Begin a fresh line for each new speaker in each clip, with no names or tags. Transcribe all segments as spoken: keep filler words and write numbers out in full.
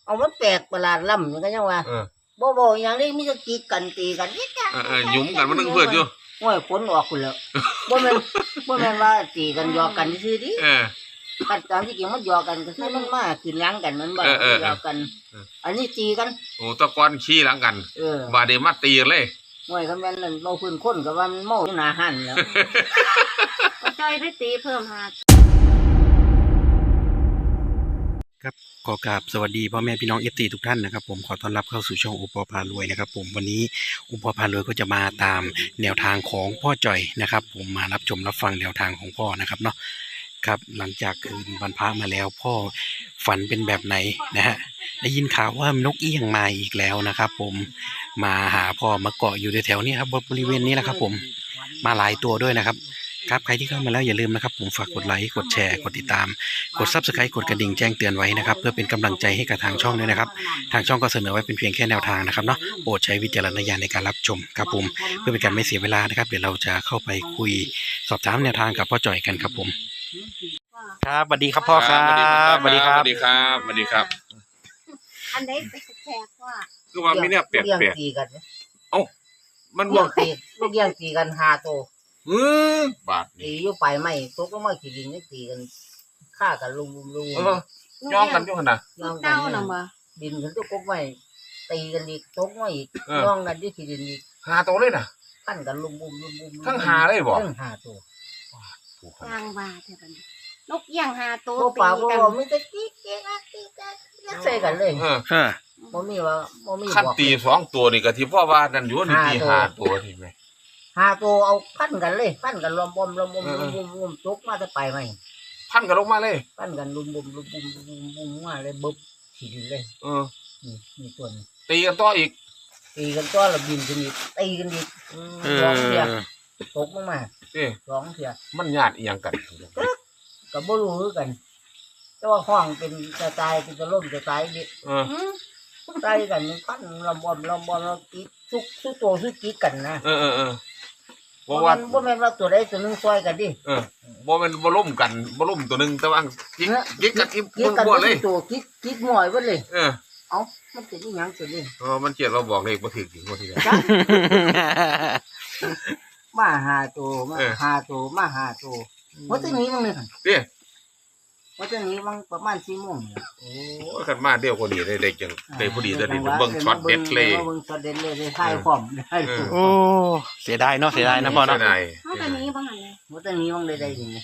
เอามันแปลกประหลาดล้ำอย่างก็ยังว่าบ่บ่อย่างนี้มีแต่ตีกันตีกันนี่จ้ะ
เออยุ่มกันมันนึงเพื่อนอยู่
โอ้ยฝนออกคุณแล้วบ่แม่นบ่แม่นว่าตีกันหยอกกันซื่อดิ
เออ
กันตามที่จริงมันหยอกกันก็คือมันมาขึ้นหลังกันมันบ่หยอกกันอันนี้ตีกัน
โอ้ตะกอนขี้หลังกัน
เออบ
าดนี้มาตีกันเลย
โอ้ยคันแม่นนั่นเมาพื้นคนก็ว่ามันเมาอยู่หน้าหันแล้ว
ก็จ้อยได้ตีเพิ่มหา
ครับขอกราบสวัสดีพ่อแม่พี่น้องเอฟซีทุกท่านนะครับผมขอต้อนรับเข้าสู่ช่องอุปพารวยนะครับผมวันนี้อุปพารวยก็จะมาตามแนวทางของพ่อจ่อยนะครับผมมารับชมรับฟังแนวทางของพ่อนะครับเนาะครับหลังจากคืนวันพระมาแล้วพ่อฝันเป็นแบบไหนนะฮะได้ยินข่าวว่านกเอี้ยงมาอีกแล้วนะครับผมมาหาพ่อมาเกาะอยู่แถวๆนี้ครับบริเวณนี้แหละครับผมมาหลายตัวด้วยนะครับครับใครที่เข้ามาแล้วอย่าลืมนะครับผมฝากกดไลค์กดแชร์กดติดตามกด ซับสไครบ์ กดกระดิ่งแจ้งเตือนไว้นะครับเพื่อเป็นกำลังใจให้กับทางช่องด้วยนะครับทางช่องก็เสนอไว้เป็นเพียงแค่แนวทางนะครับเนาะโปรดใช้วิจารณญาณในการรับชมครับผมเพื่อเป็นการไม่เสียเวลานะครับเดี๋ยวเราจะเข้าไปคุยสอบถามแนวทางกับพ่อจ่อยกันครับผมครับสวัสดีครับพ่อครับ
สวัสดีครับสวัสดีครับสวัสดีครับ
อันไหนแปลกว่า
คือว่ามีเนี่ยแปลกแปลกเอ้ามัน
บ่ตีลูกเอี้ยงตีกันห้าตัว
เออบาด
ตีอยู่ไปไม่ตกลงมาขี้ดินนี่ตีกันฆ่ากันลุมลุม
ย่องกันอยู่ขนาด
ย่องกันน่ะบ่
ดินขึ้นตกกไม่ตีกันอีกตกมาอีกย่องกันที่ขี้ดินอีก
หาตัวเลยน่ะ
ขั้นกันลุมลุมลุมลุม
ทั้งหาเลยบ่
ทั้งหาตัว
กลางว่าแท้บัดนี้นกเอี้ยงหาตัว
ตีกันบ่มีแต่กิ๊กเก๊กกิ๊กใส่กันเลย
เออ
บ่มีว่าบ่มี
ขั้นตีสองตัวนี่ก็ที่พ่อว่านั่นอยู่นี่ตีห้าตัวนี่แม่
หาตัวเอาพันกันเลยพันกันรวมบอมรวมบอมรวมบอมรวมตกมาจะไปไหม
พันกันลงมาเลย
พันกันรุมบุมรุมบุมรุมบุมมาเลยบึ๊บขีดเลย
เออ
นี่นี่ตัวนี้
ตีกันต่ออีก
ตีกันต่อแล้วบินกันอีกตีกันอีกสองเทียตกลงมาสองเทีย
มันญาติอีหยังกัน
กับบ่รู้คือกันแต่ว่าห้องเป็นจะตายเป็นจะล่มจะตายดิ
เออ
ตายกันพันรวมบอมรวมบอมแล้วกิ๊กทุกทุกตัวทุกกิ๊กกันนะ
เออเออเออ
บ่ว่าบ่แม่นว่าตัวใดตัวนึงซอยกันดิ
เออบ่แม่นบ่ล่มกันบ่ล่มตัวนึงแต่ว่ากิ๊กกิ๊กกันอีกบ่เลย
ตัวกิ๊กกิ๊กหน่อยเบิดเลย
เออ
เอ้ามันเป็นอีหยังตัวนี้
เออมันเจ็ดเราบอกเลขบ่ถูกจริงบ่ทีเดียว
มาหาตัวมาหาตัวมาหาตัวว่าจะหนีมั้งนี่คั่น
เด้
ว่าจะหนีมั้งประมาณ สี่โมง
โอ้คันมาเดียวพอดีได้ได้จังได้พอดีตัวนี้เบิ่งช็อตเด็ดเลย
เบิ่งช็อตเด็ดเลยได้ถ่ายพร้อมได้
โอ้เสียดายเนาะเสียดายนะพ่อเนาะ
เฮาจะหนีบ่หั่นเลย
ว่าจะหนีมั้งได้ได้นี่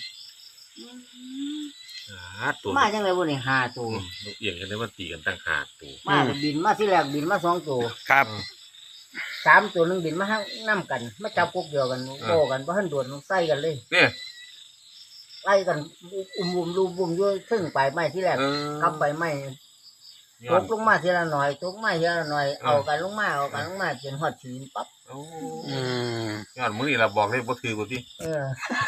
หาตัว
มาจังได๋บ่นี่ห้าตัวน
กเอี้ยงกันได้มาตีกันตั้งห้าตัว
มาบินมาทีแรกบินมาสองตัว
ครับ
สามตัวนึงบินมาทั้งนำกันมาจับกบเดียวกันโอ้กันบ่ทันโดนใส่กันเลย
นี่
ไล่กันอุ้มๆลุมๆอยู่ถึงไปไม้ที่แรกกลับไปไม้ตกลงมาทีละหน่อยตกมาทีละหน่อยเอากันลงมาเอากันลงมาจนฮอดชีนปั๊บ
โอ้อืมย้อนมื้อนี้ล่ะบอกเลยบ่ถือบ่ติ
เออ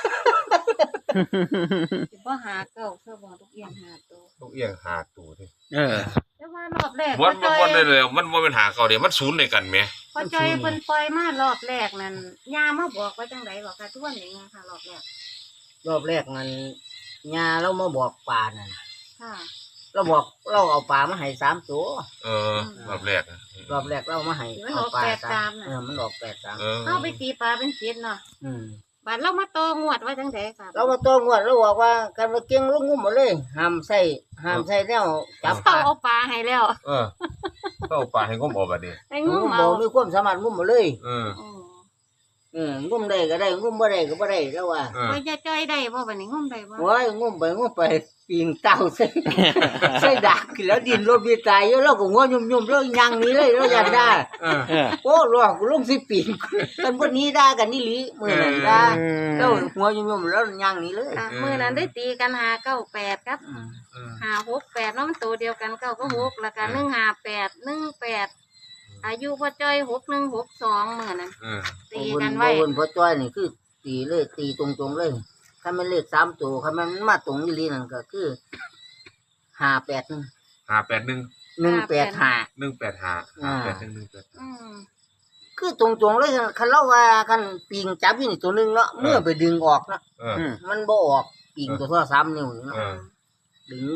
สิบ่หาเก้าเพื่อบ่ทุกเอี้ยงหาตัวน
กเอี้ยงหาตัวติ
เออ
แต่ว่ารอบแรก
บ่บ่บ่ได้แล้วมันบ่เป็นหาเก่าเด้มันศูนย์ด้วยกันแหม
พอจอยเพิ่นปล่อยมารอบแรกนั่นย่ามาบอกว่าจังได๋บอกค่ะทุกวันนี้ค่ะรอบแรก
รอบแรกมันญาเรามาบอกปลานั่น
ค่ะ
เราบอกเราเอาปลามาให้สามตัว
เออรอบแรก
รอบแรกเรามาให้
เอาปลาสาม
เออมันออกแปดสาม
เฮาไปตีปลาเป็นเจ็ดเนาะ
อืม
บัดเรามาโตงวดว่าจังได๋ค่ะ
เรามาโตงวดเราบอกว่ากันว่าเก่งลงงุ่มหมดเลยห้ามใส่ห้ามใส่แนวจับ
ปลาเอาปลาให้แล้ว
เออเอาปลาให้งุ่มออกบัดนี้
ให้งุ่ม
เอามีความสามารถงุ่มหมดเลย
เออ
เอองุ่มได้ก็ได้งุ่มบ่ได้ก็บ่ได้แล้วว่า
โอ้ยจะจ้อยได้บ่บัดนี้งุ่มได้บ่
โอ้ยงุ่มไปงุ่มไปปีนเต้าใส่ใส่ดักแล้วดินรถมีตายอยู่แล้วก็งัวยุ่มๆแล้วยังนี้เลยแล้วยันได้
เออ
โอ้รอกูลงสิปีนกันบ่นี้ด่ากันนี่หลีมื้อนั้นด่าแล้วหัวยุ่มๆแล้วยังนี้เลย
มื้อนั้นได้ตีกันห้า เก้า แปดครับห้า หก แปดเนาะมันตัวเดียวกันเก้าก็หกแล้วก็หนึ่ง ห้า แปด หนึ่ง แปดอายุพ่อจ้อยหก หนึ่ง หก สองมื้อนั้นตีกันไว้
บ่พ่อจ้อยนี่คือตีเลยตีตรงๆเลยถ้ามันเลขสามตัวถ้ามันมาตรงอีหลีนั่นก็คือห้า แปด หนึ่ง
ห้า แปด หนึ่ง
หนึ่ง แปด ห้า
หนึ่ง แปด ห้า ห้า แปด หนึ่ง หนึ่ง แปด
อืม
คือตรงๆเลยคันเราว่าคันปิงจับอยู่นี่ตัวนึงเนาะเมื่อไปดึงออกเนาะมันบ่ออกปิงตัวเท่าสามนิ้วเนาะดึงแข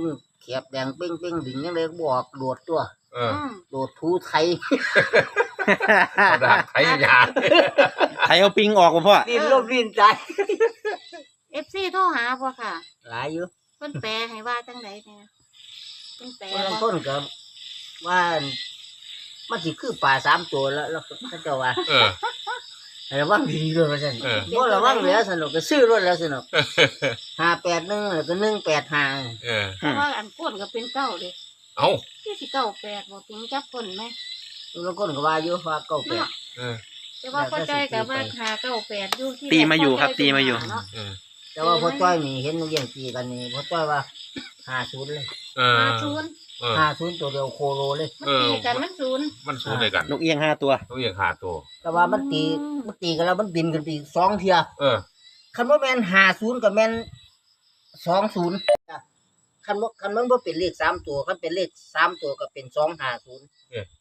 บแดงเป้งเป้งดิ่งยังเลยบอกโดดตัว
เออ
อืม
โดดทูไทย
เอาดาบไทยยา
ไทยเอาปิงออกบ่พ่อ
ดิ้นลมดิ้นใจ
เอฟซีโทรหาบ่ค่ะ
หลายอยู่
เพิ่นแปลให้ว่าจังไดเนี่ยเพิ่นแปล
บาง
บ่
คนก็ว่ามันสิคือป่าสามตัวแล้วแล้วเขาเจะว่า
เออ
ระวังดีด้วยว่าซั่น
เออ
บ่ระวังแล้วสนุกก็ซื้อรถแล้วสนุกห้าแปดหนึ่งแล้วก็หนึ่งแปดห้า
เออ
เพราะว่าอันก้นก็เป็นเก้าเด้
เอ้า
ที่สิเก้าแปดบ่ปิงจับก้นไหม
บางคนก็ว่าอยู่ว่าเก้าแปด
เนาะ
เออ
แต่ว่าพ่อจ้อยก็ว่าหาเก้าแปดอยู่ที่
ตีมาอยู่ครับตีมาอยู่
เนาะ
เออ
แต่ว่าพ่อจ้อยนี่เห็นมันเยี่ยงตีกันนี่พ่อจ้อยว่าห้าศูนย์เลย
เออ
หาศูนย์
เออ
ห้าศูนย์ตัวเดียวโคโลเลย
มันตีกันมันศูนย์
มันสู้ด้วยกัน
นกเอียงห้าตัว
ต้องอย่างขาตัว
แต่ว่ามันตีมันตีกันแล้วมันบินกันไปอีกสองเทีย
เออ
คันว่าแมนห้าศูนย์กับแมนสองศูนย์คันว่าคันมันว่าเป็นเลขสามตัวคันเป็นเลขสามตัวก็เป็นสองห้าศูนย์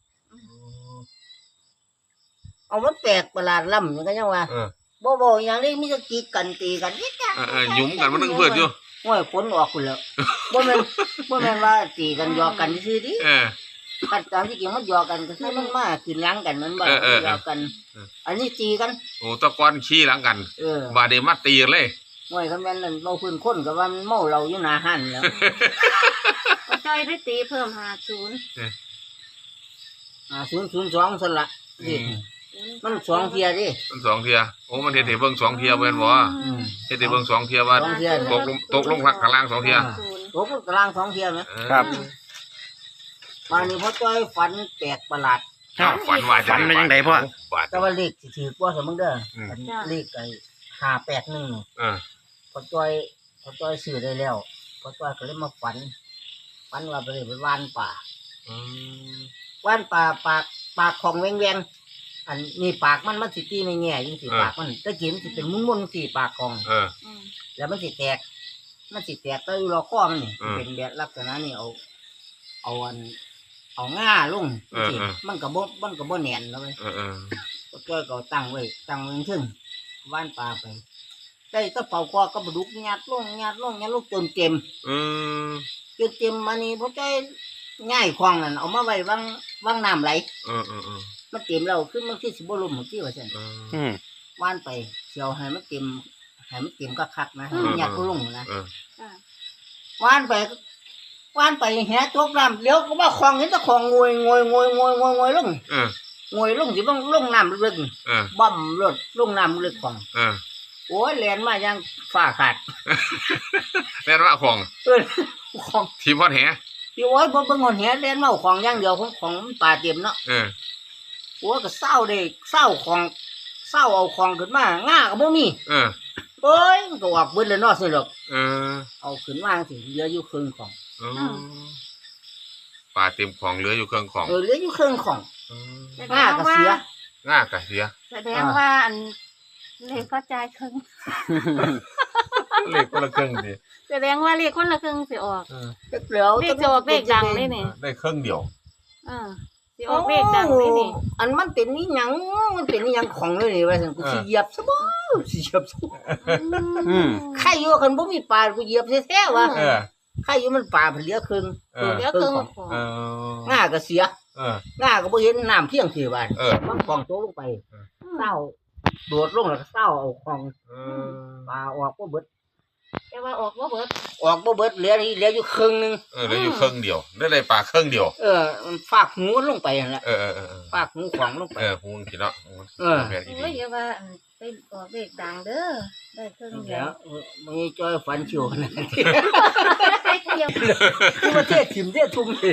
เอามันแปลกประหลาดล่ำอย่างก็ยังว่า
เออ
บ่บ่อย่างนี้มีแต่ตีกันตีกันนี่จ้ะ
เออเออหยุมกันมันนึงเพื่อนอยู่
โอ้ยฝนออกคุณแล้วบ่แม่นบ่แม่นว่าตีกันหยอกกันซื่อดิ
เออ
กันตามที่จริงมันหยอกกันก็คือมันมาขึ้นหลังกันมันบ่
เออเออ
หยอกกัน
เออ
อันนี้ตีกัน
โอ้ตะกอนขี้หลังกัน
เออ
บาดเดมาตีกันเลย
โอ้ยคันแม่นนั่นเราพื้นคนก็ว่ามันเมาเราอยู่หน้าหันแล้ว
พ่อจ้อยได้ตีเพิ่มหาศูนย์
อ่าศูนย์ศูนย์สองสั่นละนี่มันสองเทียดิ
มันสองเทียโอ้มันเฮ็ดให้เบิ่งสองเทียเบิ่นบ่
อืม
เฮ็ดให้เบิ่งสองเทียว่า
สองเที่ย
ตกลงตกลงข้างล่างสองเทีย
ศูนย์
โอ้กลางสองเทียไหม
เออ
ครับ
มานี่พ่อจ้อยฝันแปลกประหลาด
อ้าวฝันว่าจะ
ฝันเป็นจังไดพ่อ
บาด
แต่ว่าเลขสิถือว่าสมมึงเด้ออ
ม
อันเลขไอ้ห้าแปดหนึ่ง
เออ
พ่อจ้อยพ่อจ้อยซื้อได้แล้วพ่อจ้อยก็เลยมาฝันฝันว่าไปเลยไปว่านป่า
อืม
ว่านป่าปากปากของแวงแวงอันนี้ปากมันมันสิตีในแง่ยิ่งสิปากมันตะกี้มันสิเป็นมุนมุนๆสิปากของ
เออ
อืม
แล้วมันสิแตก มันสิแตกก็อยู่รอข้อมันนี่
อืม
เป็นแบบลักษณะนี่เอา เอาอัน เอาง่าลง
เออ
สิ
เออ
มันก็บ่มันก็บ่แน่นแล้วเว้ย
เออเออ
ก็จ้อยก็เอาตั้งไว้ตั้งไว้ถึงว่านปลาไป ได้ก็เป่าคอก็บดุกญาติลงญาติลงญาติลงจนเต็ม
เออ
จนเต็มมานี่พอจ้อยง่ายคลองนั่นเอามาไว้วางวางน้ำไหล
เออเออเออ
มันเต็มแล้วขึ้นมันคือสิบ่ลมเหมือนที่ว่าซั่น
เออ
อืม
ว่านไปเสียวให้มันเต็มให้มันเต็มคักๆนะให้มันญาติก็ลงนะ
เออ
อ่า
ว่านไปว่านไปแหตกน้ำเลี้ยวก็ว่าคลองเห็นแต่คลองงวยงวยงวยงวยงวยงวยลง
เออง
วยลงสิลงลงน้ำลึก
เออ
ๆบ่มรถลงน้ำลึกของ
เออ
โอ้ยแลนมายังฝ้าขาด
แม่นว่าของ
เออของ
ทีมพอดแห
พี่โอ้ยบ่เบิ่งหอนแหแลนมาเอาของอย่างเดียวของของมันป่าเต็มเนาะ
เออ
โอ้ยก็เศร้าเด้เศร้าของเศร้าเอาของขึ้นมาง่าก็บ่มี
เออ
เอ้ยมันก็ออกเบิดเลยเนาะซั่นดอก
เออ
เอาขึ้นมาสิเหลืออยู่ครึ่งของ
เออปลาเต็มของเหลืออยู่เครื่องของ
เออเหลืออยู่ครึ่งของ
เออ
แสด
ง่าง ก็
ว่า
เสีย
ง่ากะเสีย
แสดงว่าอันเลขก็จ่ายครึ่ง
เลขคนละครึ่งดิ
แสดงว่าเลขคนละครึ่งสิออก
เออ
แล้ว
เลขจะออกเลขดังเลยนี่
ได้ครึ่งเดียว
เออสิออกเลขดังเลยนี่
อันมันเป็นนี่หยังมันเป็นนี่หยังของเลยนี่ว่าซั่นกูสิเหยียบซะบ่สิเหยียบซะบ่
อืม
ใครอยู่คันบ่มีปลากูเหยียบแท้ๆว่ะ
เออ
ใครอยู่มันปลาเพิ่นเหลือครึ่ง
เออ
เดี๋ยวครึ่งของ
เออ
ง่าก็เสีย
เออ
ง่าก็บ่เห็นน้ำเพียงคือบ้าน
เออ
มันของโตลงไปเศร้าโดดลงแล้วก็เศร้าเอาของ
เออ
ปลาออกบ่เบิด
แต่ว่าออกว่าเบิด
ออกบ่เบิดเหลือเหลืออยู่ครึ่งหนึง
เออเหลืออยู่ครึ่งเดียวได้เลยปลาครึ่งเดียว
เออมันฝากหูมันลงไปนั่นแหละ
เออเออเออเออ
ฝากหูของลงไป
เออพูดผิดเนาะ
เออ
แม่นอี
โอ้ย
ดี
อย่าว่าอันไปออกเลขดังเด้อได้ครึ่งเดี
แล้
ยว
วมันจ้อยฝันชิวขนาดนั้น
ได้เดียว
คือประเทศถิ่มเทศทุ่มเลย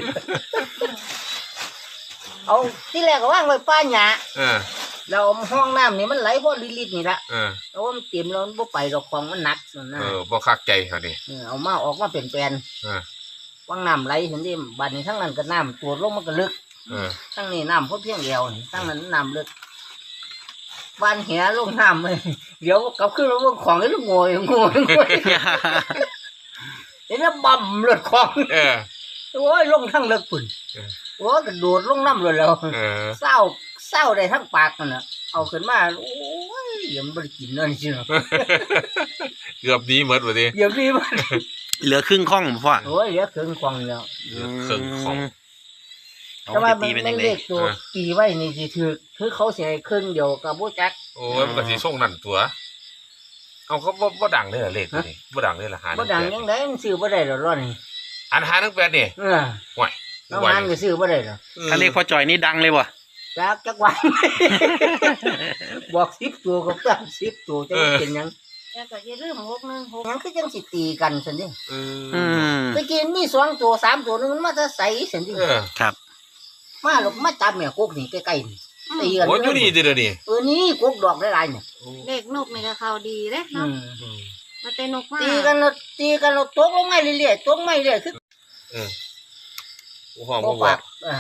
เอาที่แรกก็ว่างไว้ป้าหญ้า
เออ
แล้วห้องน้ำนี่มันไหลพอลิตรๆนี่ละ
เออ
แต่ว่ามันเต็มแล้วมันบ่ไปดอกของมันหนักส่วนหน้า
เออบ่คักใจเขาดิ
เออเอามาออกมาเป็นแปลน
เออ
ว่างน้ำไหลเห็นดิบัดนี้ทั้งนั้นก็น้ำตัวลงมันก็ลึก
เออ
ทั้งนี้น้ำเพราะเพียงเดียวนี่ทั้งนั้นน้ำลึกวานแหลงน้ำเลยเดี๋ยวกลับขึ้นมาเบิ่งของไอ้ลูกโง่โง่โง่เห็นแล้วบ่มเลือดของ
เออ
โอ้ยลงทั้งเลิกปุ่น
เออ
โอ้ยกระโดดลงน้ำเลยแล้ว
เออ
เศร้าเศร้าได้ทั้งปากนั่นน่ะเอาขึ้นมาโอ้ยเดี๋ยวมันบ่ได้กินนั่นจริงๆ
เกือบหนี้หมดว่าดิ
เดี๋ยวนี้มัน
เหลือครึ่งข้องพ่อ
โอ้ยเหลือครึ่งกล่องแล้ว
เหลือเครื่องของ
เอา
แต่ว่า
ไป
มัน
ตีเป็น
มั
ยั
น
งไง
เลขตัวตีไว้นี่สิถือคือเขาสิให้ครึ่งเดียวกับบ่จัก
โอ้ยมันก็สิส่งนั่นตัว เอาเขาบ่บ่ดังเลยเหรอเลขตัวนี้บ่ดังเลยล่ะหา
บ่ดังยังไดมันซื้อบ่ได้ดอกร้อนนี่
อันหาหนึ่งแปดนี่
เออ
ห่วย
น้องมันก็ซื้อบ่ได้ดอก
ถ้าเลขพ่อจอยนี่ดังเลยบ่
จักจักวัน บอกสิบตัวก็ตั้งสิบตัวจะเป็นหยัง
แล้วก็อย่าลืมหกหนึ่งหก
หยังคือจังสิตีกันซั่นดิ
เอ
อื
อ
ม
ตะกี้มีสองตัวสามตัวนึงมันมาจะใส่ซั่นดิ
เออ
ครับ
มาหลบมาจับแม่กกนี่ใกล้ๆนี่ตีกัน
โอ้ยอยู่นี่เด้อนี่
เออนี่กกดอกหลายๆเนี่ย
เลขนกนี่ก็เข้าดีเด้
อื
เนาะ
ม
อืม
มาเตนกมา
ตีกันแล้วตีกันแล้วตกลงมาเรื่อยๆตกมาเรื่อยๆคือ
เออโอ้ห้อง
บ่
บ่บอ
ปาก กอ่า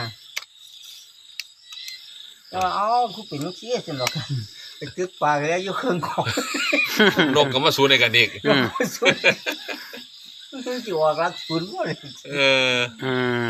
ก็เอาคือเป็นจังซี่ซั่นดอกไปตึกปากแล้วอยู่เครื่องของ
นกก็มาสู้ในกันอีก
อืม
สุดสิออกรักศูนย์บ่เลย
เออ
อืม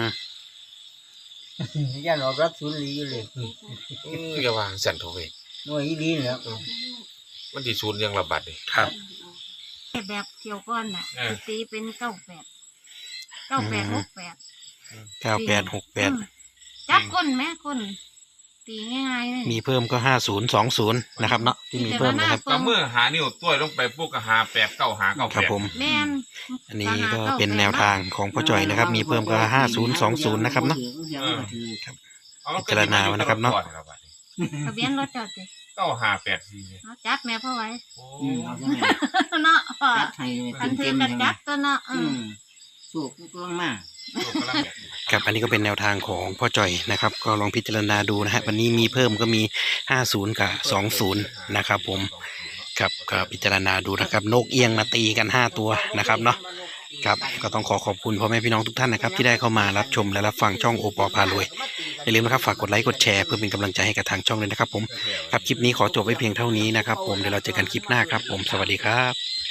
ย่านออกรักศูนย์ลีอยู่เลย
เอออย่าวางสั่นโทเว้ย
หน่วยอีหลีนี่แหล้ว
มันสิศูนย์ยังระบาดนี่
ครับ
แบบเที่ยวก้อนน่ะ
เออ
สิตีเป็นเก้าแปดเก้าแปดหกแปด
เก้าแปดหกแปด
จับก้นแม่ก้นตีง่ายๆเลย
มีเพิ่มก็ห้าศูนย์สองศูนย์นะครับเนาะที่มีเพิ่มนะครับ
ก็มือหานิ้วต้วยลงไปปุ๊กก็หาแปดเก้าหาเก้า
ครับ
แปด
ผม
แม่น
อันนี้ก็เป็นแนวทางของพ่อจอยนะครับ มีเพิ่มก็ห้าศูนย์สองศูนย์นะครับเนาะ
เอามันก็
พิจารณาไว้นะครับเนาะ
ทะเบียนรถจอดสิ
เก้าหาแปดสี่
เอาจับแม่พ่อไว้
โอ้
อืมเอาจังไง
เนาะพ่อ
จัดให้
คันถื
เต็
อ
มๆ
กัน
จัง
จับตัวเนาะเอ
อื
อ
มสูบกำลังมา
ครับอันนี้ก็เป็นแนวทางของพ่อจอยนะครับ ก็ลองพิจารณาดูนะฮะวันนี้มีเพิ่มก็มีห้าศูนย์กับสองศูนย์นะครับผมครับก็พิจารณาดูนะครับนกเอียงมาตีกันห้าตัวนะครับเนาะครับก็ต้องขอขอบคุณพ่อแม่พี่น้องทุกท่านนะครับที่ได้เข้ามารับชมและรับฟังช่องโอปอพารวยอย่าลืมนะครับฝากกดไลค์กดแชร์เพื่อเป็นกำลังใจให้กับทางช่องเลยนะครับผมครับคลิปนี้ขอจบไว้เพียงเท่านี้นะครับผมเดี๋ยวเราเจอกันคลิปหน้าครับผมสวัสดีครับ